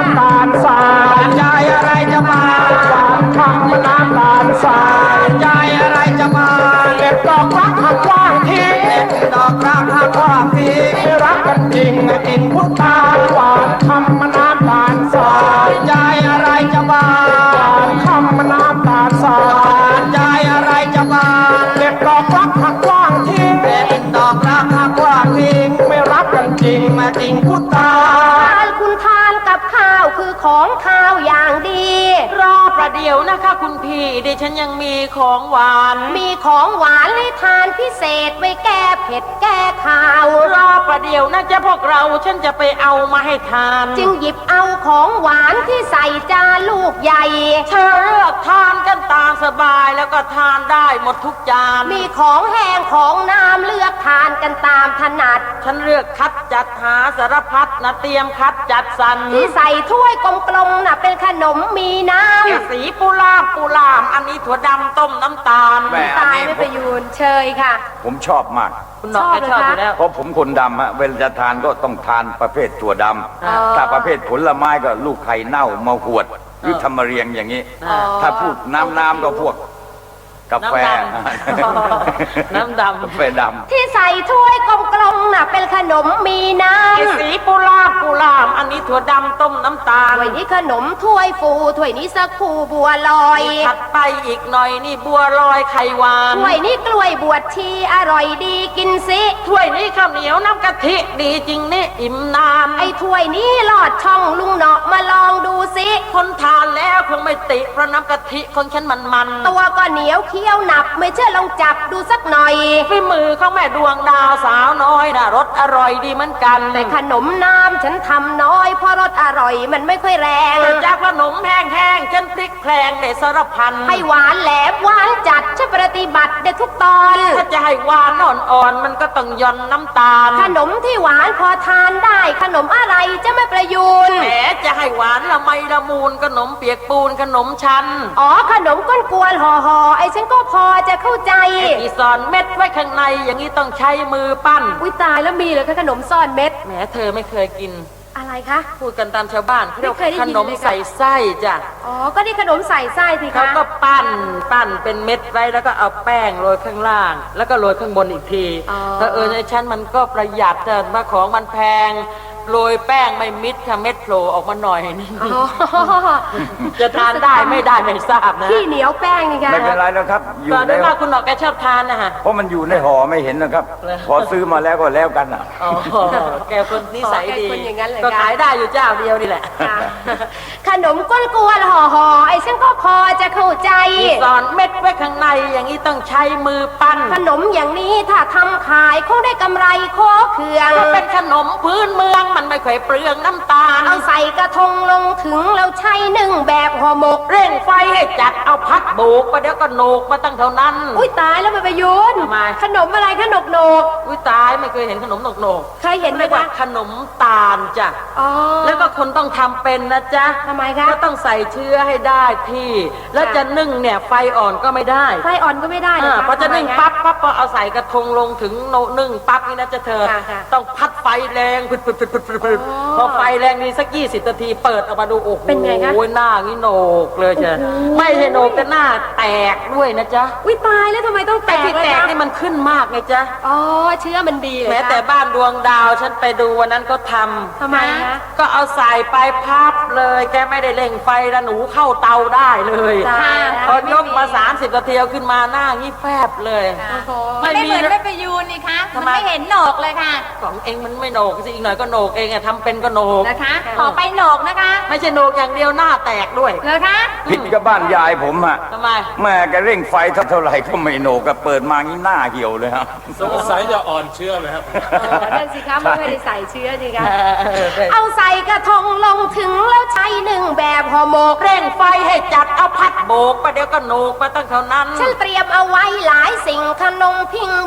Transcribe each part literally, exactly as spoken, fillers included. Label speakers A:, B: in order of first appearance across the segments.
A: ำตาลทรายยายอะไรจะมาหวานคำน้ำตาลทรายยายอะไรจะมาเด็ดดอกรักหักว่างทิ้งเด็ดดอกรักหักว่างทิ้งรักกันจริงกินพุทธาหวานคำน้ำตาลทรายยายอะไรจะมาหวานคำน้ำตาลทรายยายอะไรจะมาเด็ดดอกรักหักว่างทิ้งเด็ดดอกรักหักว่างทิ้งไม่รักกันจริงมาจริงพุทธา
B: คุณทานกับข้าวคือของข้าวอย่างดี
C: รอประเดี๋ยวนะคะคุณพี่ดิฉันยังมีของหวาน
B: มีของหวานให้ทานพิเศษไว้แก้เผ็ดแก้ข้าว
C: รอประเดี๋ยวนะจ๊ะพวกเราฉันจะไปเอามาให้ทาน
B: จึงหยิบเอาของหวานที่ใส่จานลูกใหญ่
C: เธอเลือกทานกันตามสบายแล้วก็ทานได้หมดทุกจาน
B: มีของแห้งของน้ำเลือกทานกันตามถนัด
C: ฉันเลือกคัดจัดหาสารพัดนะเตรียมคัดจัดสรร
B: ที่ใส่ถ้วยกลมๆน่ะเป็นขนมมีน้
C: ำสีปูลามปูลามอันนี้ถั่วดำต้มน้ำตาล
B: ตายไม่ประยูนเชยค่ะ
D: ผมชอบมาก
C: คุณน้องชอบอยู่แล้ว
D: เพราะผมคนดำฮะเวลาจะทานก็ต้องทานประเภทถั่วดำถ้าประเภทผลไม้ก็ลูกไข่เน่ามาหวดหรือทำมาเรียงอย่างนี้ถ้าพูดน้ำน้ำก็พวกกาแฟ
C: น้ำดำ
D: กาแฟดำ
B: ที่ใส่ถ้วยกลมๆน่ะเป็นขนมมีน้
C: ำสีปูลาปูลามอันนี้ถั่วดำต้มน้ำตาล
B: ถ้วยนี้ขนมถ้วยฟูถ้วยนี้สักคูบัวลอย
C: ถัดไปอีกหน่อยนี่บัวลอยไข่หวาน
B: ถ้วยนี้กล้วยบวชชีอร่อยดีกินสิ
C: ถ้วยนี้ข้าวเหนียวน้ำกะทิดีจริงนี่อิ่มนาน
B: ไอ้ถ้วยนี้ลอดช่องลุงเนาะมาลองดูสิ
C: คนทานแล้วคงไม่ติเพราะน้ำกะทิของฉันมันมัน
B: ตัวก็เหนียวเคี้ยวหนับไม่เชื่อลองจับดูสักหน่อย
C: ฝีมือของแม่ดวงดาวสาวน้อยนะรสอร่อยดีเหมือนกัน
B: แต่ขนมน้ำฉันทำน้อยเพราะรสอร่อยมันไม่ค่อยแรง
C: แต่จากขนมแห้งๆฉันพลิกแพลงในสารพัน
B: ให้หวานแหลมหวานจัดฉันปฏิบัติได้ทุกตอน
C: ถ้าจะให้หวานอ่อนๆมันก็ต้องย่อนน้ำตาล
B: ขนมที่หวานพอทานได้ขนมอะไรจะไม่ประยูน
C: แหมจะให้หวานละไมละมูลขนมเปียกปูนขนมชั้น
B: อ๋อขนมก้นกวนห่อห่อไอ้ฉันก็พอจะเข้าใจ
C: ที่ซ่อนเม็ดไว้ข้างในอย่างนี้ต้องใช้มือปั้น
B: อุ้ยตายแล้วมีเหรอคะขนมซ่อนเม็ด
C: แหมเธอไม่เคยกิน
B: อะไรคะ
C: พูดกันตามชาวบ้านเขาเรียกขนมใส่ไส้จ้ะ
B: อ๋อก็นี่ขนมใส่ไส้สิคะ
C: เขาก็ปั้นปั้นเป็นเม็ดไว้แล้วก็เอาแป้งโรยข้างล่างแล้วก็โรยข้างบนอีกทีแต่เออในชั้นมันก็ประหยัดแต่ว่าของมันแพงโรยแป้งไม่มิดค่ะเม็ดโผล่ออกมาหน่อยนึงจะทานได้ไม่ได้ไม่ทราบนะ
B: ที่เหนียวแป้งนี่ค่ะ
D: ไม่เป็นไรแล้วครับ
C: อยู่ในว่าคุณหนอกแกชอบทานนะฮะ
D: เพราะมันอยู่ในห่อไม่เห็นนะครับพอซื้อมาแล้วก็แล้วกันอ่ะ
C: แกคนนิสัยดีก็ขายได้อยู่เจ้าเดียวนี่แหละ
B: ขนมก้นกวนห่อห่อไอ้ฉันก็พอจะเข้าใจ
C: สอนเม็ดไว้ข้างในอย่างนี้ต้องใช้มือปั้น
B: ขนมอย่างนี้ถ้าทำขายคงได้กำไรโคเคือง
C: เป็นขนมพื้นเมืองมันไม่ค่อยเปลืองน้ำตาล
B: เอาใส่กระทงลงถึงแล้วใช้นึ่งแบบห่อหมก
C: เร่งไฟให้จัดเอาพัดโบกไปเดี๋ยวก็โหนกมาตั้งเท่านั้น
B: อุ้ยตายแล้วไปประยุนขนมอะไรขนมโหนก
C: อุ้ยตายไม่เคยเห็นขนมโหนกโหนก
B: เคยเห็นไหมคะ
C: ขนมตาลจ้ะแล้วก็คนต้องทำเป็นนะจ๊ะ
B: ทำไมคะ
C: ก็ต้องใส่เชื้อให้ได้ที่แล้วจะนึ่งเนี่ยไฟอ่อนก็ไม่ได้
B: ไฟอ่อนก็ไม่ได้
C: นะคะพอจะนึ่งปั๊บปั๊บพอเอาใส่กระทงลงถึงนึ่งปั๊บนี่นะจะเธอต้องพัดไฟแรงผึดผึดผึดผึดผึดพอไฟแรงนี่สักยี่สิบนาทีเปิดออกมาดูโอ้โห
B: เป็นไงคะ
C: โอ้ยหน้างี้โหนกเลยจ้ะไม่ใช่โหนกแต่หน้าแตกด้วยนะจ๊ะ
B: อุ้ยตายแล้วทำไมต้องแตก
C: ที่แตกนี่มันขึ้นมากไงจ๊ะ
B: อ๋อเชื้อมันดีเลย
C: แม้แต่บ้านดวงดาวฉันไปดูวันนั้นก็ท
B: ำทำไมคะ
C: ก็เอาใส่ไปพับเลยแกไม่ได้เร่งไฟแล้วหนูเข้าเตาได้เลยพอยกมาสามสิบนาทีเอาขึ้นมาหน้างี้แฟบเลย
B: ไม่เหมือนไม่ไปยูนนี่คะมันไม่เห็นโหนกเลยค่ะ
C: ของเองมันไม่โหนกสิอีกหน่อยก็โหนกเองอะทำเป็นก็โหนก
B: นะคะขอไปโหนกนะคะ
C: ไม่ใช่โหนกอย่างเดียวหน้าแตกด้วย
B: เหรอคะ
D: ผิดกับบ้านยายผมอะ
C: ทำไม
D: แม่แกเร่งไฟเท่าไหร่ก็ไม่โหนกก็เปิดมางี้หน้าเหี่ยวเลยครับ
E: สงสัยจะอ่อนเชื้อเลยครับ
B: นั่นสิคะไม่ได้ใส่เชื้อสิคะเอาใส่กระทงลงถึงแล้วใช้หนึ่งแบบห่อหมก
C: เร่งไฟให้จัดเอาพัดโบกไปเดี๋ยวก็โหนกมาตั้งเท่านั้น
B: ฉันเตรียมเอาไว้หลายสิ่งขนมพิงแบบ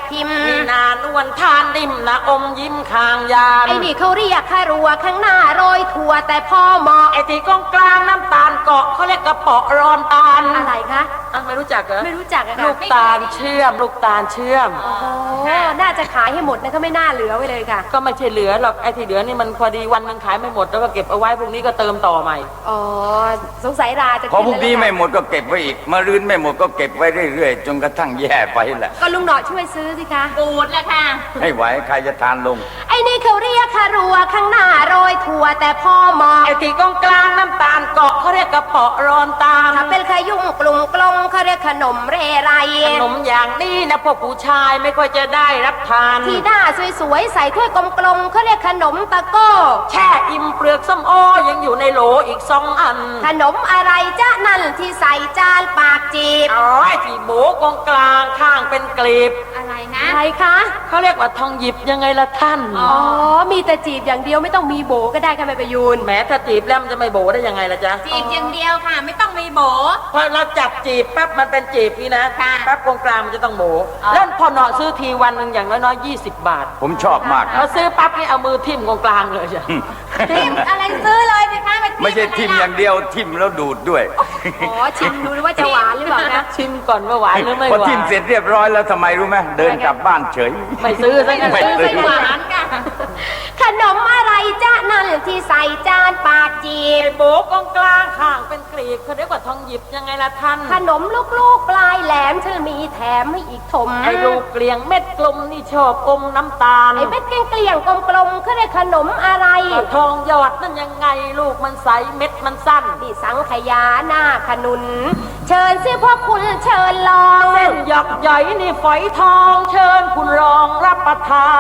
B: พิมพ์
C: มีนานวลทานริมนะอมยิ้มคางยาน
B: ไอ้นี่เขาเรียกคารัวข้างหน้าโรยถั่วแต่พอเหมาะ
C: ไอ้ที่กองกลางน้ำตาลเกาะเขาเรียกกระเปาะรอนตาล
B: อะไรคะ
C: อ่ะไม่รู้จักเหรอ
B: ไม่รู้จักอะค่ะ
C: ลูกตาลเชื่อม ลูกตาลเชื่อม
B: โอ้น่าจะขายให้หมดนะก็ไม่น่าเหลือไว้เลยค่ะ
C: ก็ไม่ใช่เหลือหรอกไอ้ที่เหลือนี่มันพอดีวันหนึงขายไม่หมดแล้วก็เก็บเอาไว้พรุ่งนี้ก็เติมต่อใหม่
B: อ๋อสงสัยราจะ
D: พอพ
B: กิ
D: รุ่ง
B: แล้ว
D: นี้
B: ล่ะ
D: ไม่หมดก็เก็บไว้อีกมะรืนไม่หมดก็เก็บไว้เรื่อยๆจนกระทั่งแย่ไปแหละ
B: ก็ลุงหนอช่วยซื้อสิคะ
F: บูดแล้วค่ะ
D: ให้ไหวใครจะทานลง
B: ไอ้นี่เขาเรียกคารัวข้างหน้าโรยถั่วแต่พอเหมาะ
C: ไอ้ที่กองกลางน้ำตาลเกาะเขาเรียกกระเปาะรอนตาล
B: ถ้าเป็นขยุ่มกลุ่มกลมเขาเรียกขนมเรไร
C: ขนมอย่างนี้นะพวกผู้ชายไม่ค่อยจะได้รับทาน
B: ที่หน้าสวยๆใส่ถ้วยกลมๆเขาเรียกขนมตะโก้
C: แช่อิ่มเปลือกส้มโอยังอยู่ในโหลอีกสองอัน
B: ขนมอะไรจ๊ะนั่นที่ใส่จานปากจีบ
C: อ๋อไอ้ที่โบกองกลางข้างเป็นกลีบ
F: อะไรนะ
B: อะไรคะ
C: เขาเรียกว่าทองหยิบยังไงล่ะท่าน
B: อ๋อ มีแต่จีบอย่างเดียวไม่ต้องมีโบก็ได้ค่ะแม่ประยูน
C: แม้ถ้าจีบแล้วมันจะไม่โบได้ยังไงล่ะจ๊ะ
F: จีบอย่างเดียวค่ะ ไม่ต้องมีโบ
C: พอเราจับจีบปั๊บมันเป็นจีบนี่นะ
F: ค่ะ
C: ปั๊บกองกลางมันจะต้องโบแล้วพอเนาะซื้อทีวันหนึ่งอย่างน้อยๆยี่สิบบาท
D: ผมชอบมาก
C: พอ
D: นะ
C: ซื้อปั๊บนี่เอามือทิ่มกองกลางเลยจ้ะ
F: ทิมอะไรซื้อเลยสิคะา
D: ไม่ใช่ทิมอย่างเดียวทิมแล้วดูดด้วย
B: อ๋อ ชิมดูว่าจะหวานหรือเปล่านะ
C: ชิมก่อนว่าหวานหรือไม่ห
D: พอ
C: วา
D: ทิม
C: น
D: เสร็จเรียบร้อยแล้วทำไมรู้ไหมเดินกลับบ้านเฉย
C: ไม่ซื้อซะงั้น
D: ไม่
F: ซื้อไม่หวานค่ะ
B: ขนมอะไรจ๊ะนั่นที่ใส่จานปากจีบ
C: ไอ้โบกองกลางข้างเป็นกลีบเขาเรียกว่าทองหยิบยังไงล่ะท่าน
B: ขนมลูกๆปลายแหลมเธอมีแถมให้อีกถม
C: ไอ้ลูกเกลียงเม็ดกลมนี่ชอบอมน้ำตาล
B: ไอ้เม็ดเกลี้ยงๆกลมๆเขาเรียกขนมอะไร
C: ทองหยอดนั่นยังไงลูกมันใสเม็ดมันสั้น
B: นี่สังขยาหน้าขนุน เชิญสิพ่อคุณเชิญลอง
C: เส้นหยักใหญ่นี่ฝอยทองเชิญคุณรองรับประทาน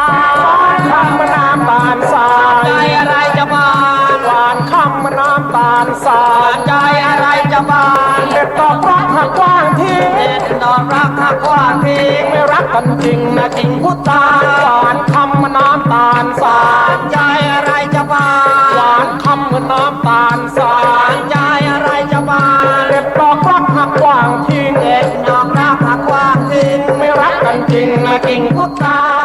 A: คำน้ำตาลสายใจอะไรจะบานหวานคำน้ำตาลสายใจอะไรจะบานเด็ดดอกรักหักกว้างทิ้งเด็ดดอกรักหักกว้างทิ้งไม่รักกันจริงนะจริงพุทธาหวานคำน้ำตาลสายใจอะไรจะบานหวานคำน้ำตาลสายใจอะไรจะบานเด็ดดอกรักหักกว้างทิ้งเด็ดดอกรักหักกว้างทิ้งไม่รักกันจริงนะจริงพุทธา